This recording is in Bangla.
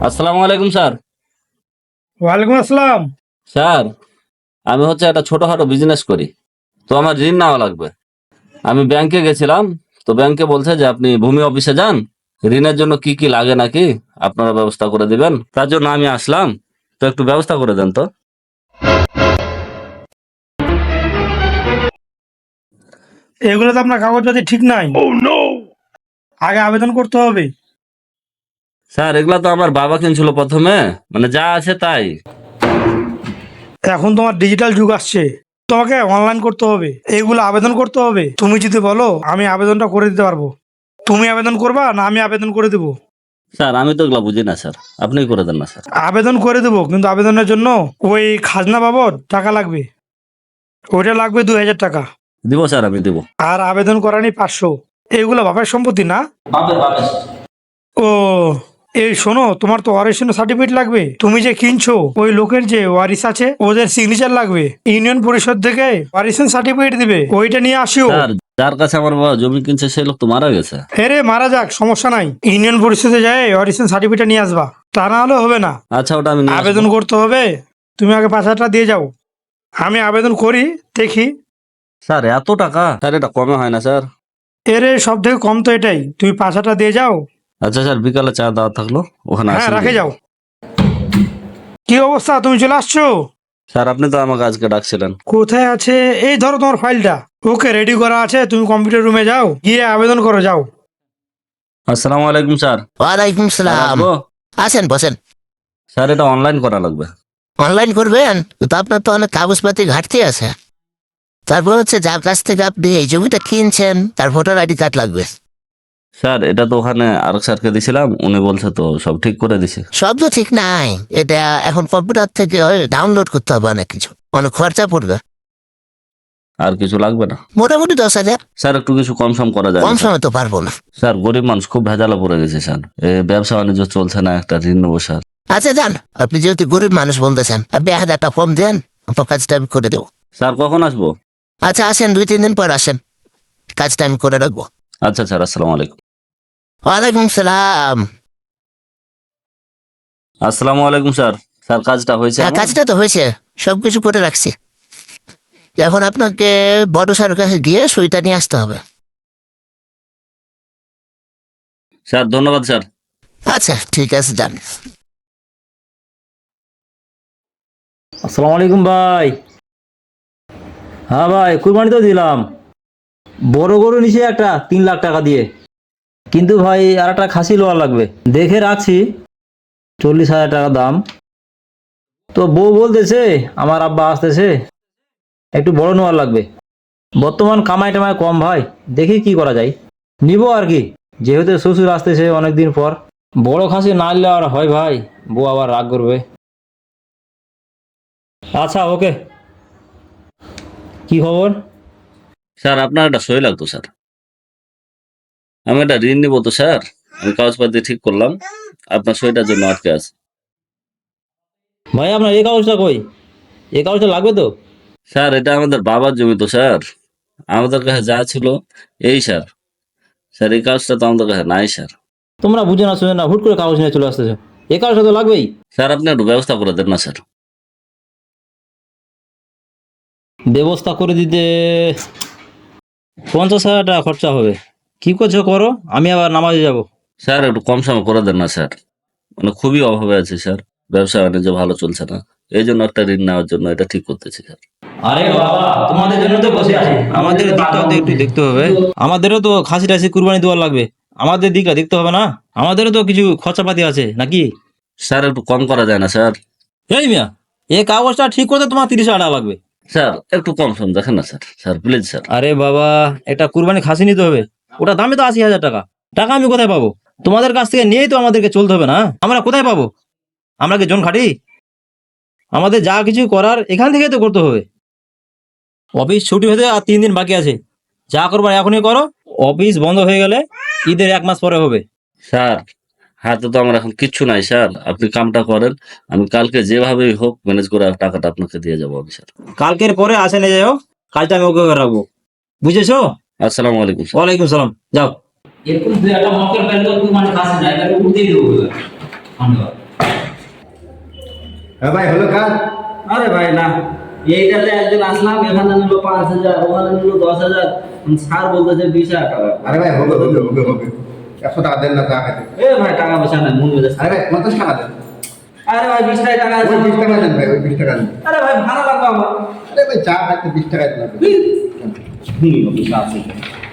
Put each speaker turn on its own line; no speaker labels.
আসসালামু আলাইকুম স্যার।
ওয়ালাইকুম আসসালাম।
স্যার, আমি একটা ছোটখাটো বিজনেস করি, তো আমার ঋণ নেওয়া লাগবে। আমি ব্যাংকে গেছিলাম, তো ব্যাংকে বলছে যে আপনি ভূমি অফিসে যান, ঋণের জন্য কি কি লাগে নাকি আপনারা ব্যবস্থা করে দিবেন। তার জন্য আমি আসলাম, তো একটু ব্যবস্থা করে দেন তো।
এগুলো তো আপনার কাগজপাতি ঠিক নাই। আগে আবেদন করতে হবে।
স্যার, এগুলা তো আমার বাবা কিনছিল প্রথমে, মানে যা আছে তাই।
এখন তোমার ডিজিটাল যুগ আসছে, তোমাকে অনলাইন করতে হবে, এগুলো আবেদন করতে হবে। তুমি যদি বলো আমি আবেদনটা করে দিতে পারবো, তুমি আবেদন করবা না আমি আবেদন করে দেবো?
স্যার, আমি তো এগুলা বুঝি না স্যার, আপনিই করে দেন না স্যার।
আবেদন করে দেবো, কিন্তু আবেদনের জন্য ওই খাজনা বাবদ টাকা লাগবে, ওইটা লাগবে 2000 টাকা।
দিব স্যার, আমি দিব।
আর আবেদন করানি 500। এগুলো বাপের সম্পত্তি না? ও, এই শোনো, তোমার তো ওয়ারিশন সার্টিফিকেট লাগবে। তুমি যে কিনছো ওই লোকের যে ওয়ারিশ আছে ওদের সিগনেচার লাগবে। ইউনিয়ন পরিষদ থেকে ওয়ারিশন সার্টিফিকেট দিবে, ওইটা নিয়ে আসিও।
স্যার, যার কাছে আমার বাবা জমি কিনছে সেই লোক তো মারা গেছে।
হেরে মারা যাক, সমস্যা নাই, ইউনিয়ন পরিষদে যায় ওয়ারিশন সার্টিফিকেট নিয়ে আসবা, তা না হলে হবে না।
আচ্ছা, ওটা আমি নিয়ে
আবেদন
আসবো।
করতে হবে, তুমি আগে 5,000 দিয়ে যাও, আমি আবেদন করি, দেখি।
স্যার, এত টাকা? স্যার, এটা কমে হয় না স্যার?
এরে সব থেকে কম তো এটাই, তুমি 5,000 দিয়ে যাও।
আচ্ছা স্যার, বিকালে চা দাওয়া থাকলো, ওখানে
হ্যাঁ,
আসেন
রাখে
দিয়ে
যাও।
যাবো।
কি অবস্থা, তুমি চলে আসছো?
স্যার, আপনি তো আমাকে আজকে ডাকছিলেন।
কোথায় আছে? এই ধরো তোমার ফাইলটা, ওকে রেডি করা আছে, তুমি কম্পিউটার রুমে যাও, গিয়ে আবেদন করো, যাও।
আসসালামু আলাইকুম স্যার।
ওয়ালাইকুম
স্যার,
সালাম।
আসবো?
আসেন, বসেন।
স্যার, এটা অনলাইন করা লাগবে।
অনলাইন করবেন তো আপনার তো অনেক কাগজপাতি ঘাটতি আছে। তারপর হচ্ছে যার কাছ থেকে আপনি এই জমিটা কিনছেন তার ভোটার আইডি কার্ড লাগবে।
স্যার, এটা তো ওখানে আরেক স্যারকে দিছিলাম, উনি বলছে তো সব ঠিক করে দিছে।
সব তো ঠিক নাই, এটা এখন কম্পিউটার থেকে ডাউনলোড করতে হবে, অনেক কিছু, অনেক খরচা পড়বে।
আর কিছু লাগবে না?
মোটামুটি 10,000।
স্যার, একটু কিছু কম সম করা যায় না
কম
স্যার?
সময় তো পারবো না।
স্যার, গরিব মানুষ, খুব ভেজালে পড়ে গেছে স্যার। ব্যবসা বাণিজ্য চলছে না, একটা ঋণ নেবো স্যার।
আচ্ছা যান, আপনি যেহেতু গরিব মানুষ বলতেছেন, আপনি 1,000 ফর্ম দেন, আপনার কাজটা আমি করে দেবো।
স্যার, কখন আসবো?
আচ্ছা আসেন, 2-3 দিন পর আসেন, কাজটা আমি করে রাখবো।
আচ্ছা স্যার, আসসালামু আলাইকুম।
ওয়ালাইকুম সালাম।
আসসালামু আলাইকুম স্যার। স্যার, কাজটা হয়েছে
হ্যাঁ,
আমার?
কাজটা তো হয়েছে, সবকিছু করে রাখছি। এখন আপনাকে বড় স্যারের কাছে গিয়ে সইটা নিয়ে আসতে হবে।
স্যার, ধন্যবাদ স্যার।
আচ্ছা ঠিক আছে, যান।
আসসালামু আলাইকুম ভাই। হ্যাঁ ভাই, কুরবানি তো দিলাম। বড় গরু নিচে একটা 3 লাখ টাকা দিয়ে, কিন্তু ভাই আর একটা খাসি লোয়া লাগবে, দেখে রাখছি 40,000 টাকা দাম। তো বউ বলতেছে আমার আব্বা আসতেছে, একটু বড় নেওয়ার লাগবে। বর্তমান কামাই টামাই কম ভাই, দেখি কি করা যায়, নিব আর কি, যেহেতু শ্বশুর আসতেছে অনেকদিন পর। বড় খাসি না নিলে আর হয় ভাই, বউ আবার রাগ করবে। আচ্ছা ওকে, কি খবর?
স্যার, আপনার একটা সই লাগতো স্যার। আমি একটা ঋণ নিবো তো স্যার, আমি কাগজপাতি ঠিক করলাম, আপনার সইটার জন্য আটকে আছে।
ভাই আপনার এই কাগজটা কই? এই কাগজটা লাগবে তো?
স্যার, এটা আমাদের বাবার জমি তো স্যার, আমাদের কাছে যা ছিল এই স্যার। স্যার, এই কাগজটা তো আমাদের কাছে নাই স্যার।
তোমরা বুঝে না শুনে না হুট করে কাগজ নিয়ে চলে আসতেছো, এই কাগজটা তো লাগবেই।
স্যার, আপনি একটু ব্যবস্থা করে দেন না স্যার।
ব্যবস্থা করে দিতে 50,000 টাকা খরচা হবে। কি করছো করো, আমি আবার নামাজে যাব।
স্যার, একটু কম সময় করে দেন না স্যার, মানে খুবই অভাবে আছে স্যার, ব্যবসা বাণিজ্য ভালো চলছে না, এই জন্য একটা ঋণ নেওয়ার জন্য এটা ঠিক করতেছি স্যার।
আরে বাবা, তোমাদের জন্য তো বসে আছি, আমাদের দিকটাও তো একটু দেখতে হবে। আমাদেরও তো খাসি টাসি কুরবানি দেওয়ার লাগবে, আমাদের দিকটা দেখতে হবে না? আমাদেরও তো কিছু খরচাপাতি আছে নাকি?
স্যার, একটু কম করা যায় না স্যার?
এই মিয়া, এই কাগজটা ঠিক করতে তোমার 30,000 টাকা লাগবে।
স্যার, একটু কম সম দেখেন না স্যার, স্যার প্লিজ স্যার।
আরে বাবা, একটা কুরবানি খাসি নিতে হবে, ওটা দামে তো 80,000 টাকা। টাকা আমি কোথায় পাবো? তোমাদের কাছ থেকে নিয়েই তো আমাদেরকে চলতে হবে না? আমরা কোথায় পাবো? আমরা কি জন খাটি? আমাদের যা কিছু করার এখান থেকেই তো করতে হবে। অফিস ছুটি হতে আর 3 দিন বাকি আছে, যা করবার এখনই করো, অফিস বন্ধ হয়ে গেলে ঈদের 1 মাস পরে হবে।
স্যার, হাতে তো আমার এখন কিচ্ছু নাই স্যার, আপনি কামটা করেন, আমি কালকে যেভাবেই হোক ম্যানেজ করে টাকাটা আপনাকে দিয়ে যাবো আমি স্যার।
কালকের পরে আসে নিয়ে যাও, কাজটা আমি ওকে করে রাখবো, বুঝেছো?
আসসালামু আলাইকুম স্যার।
ওয়ালাইকুম সালাম, যাও। এরকম 2 একটা মক্কেল পেলে তো মানে কাছে নাই, তাহলে উঠতেই দেবো। ধন্যবাদ।
হ্যাঁ ভাই হলো কাজ?
আরে ভাই না, এইটাতে একদিন আসলাম, এখানে নিল 5,000, ওখানে নিল 10,000, স্যার বলতেছে 20,000 টাকা।
আরে ভাই হবে হবে হবে হবে 100 টাকা দেন না চা খাইতে।
এ ভাই টাকা পয়সা নাই, মন মেজাজ।
আরে ভাই 50 টাকা দেন।
আরে ভাই 20 টাকা আছে।
ওই 20 টাকা দেন ভাই, ওই 20 টাকা দেন।
আরে ভাই ভাড়া লাগবে আমার।
আরে ভাই চা খাইতে 20 টাকা দেন আপনি।
হুম, অফিস আছে।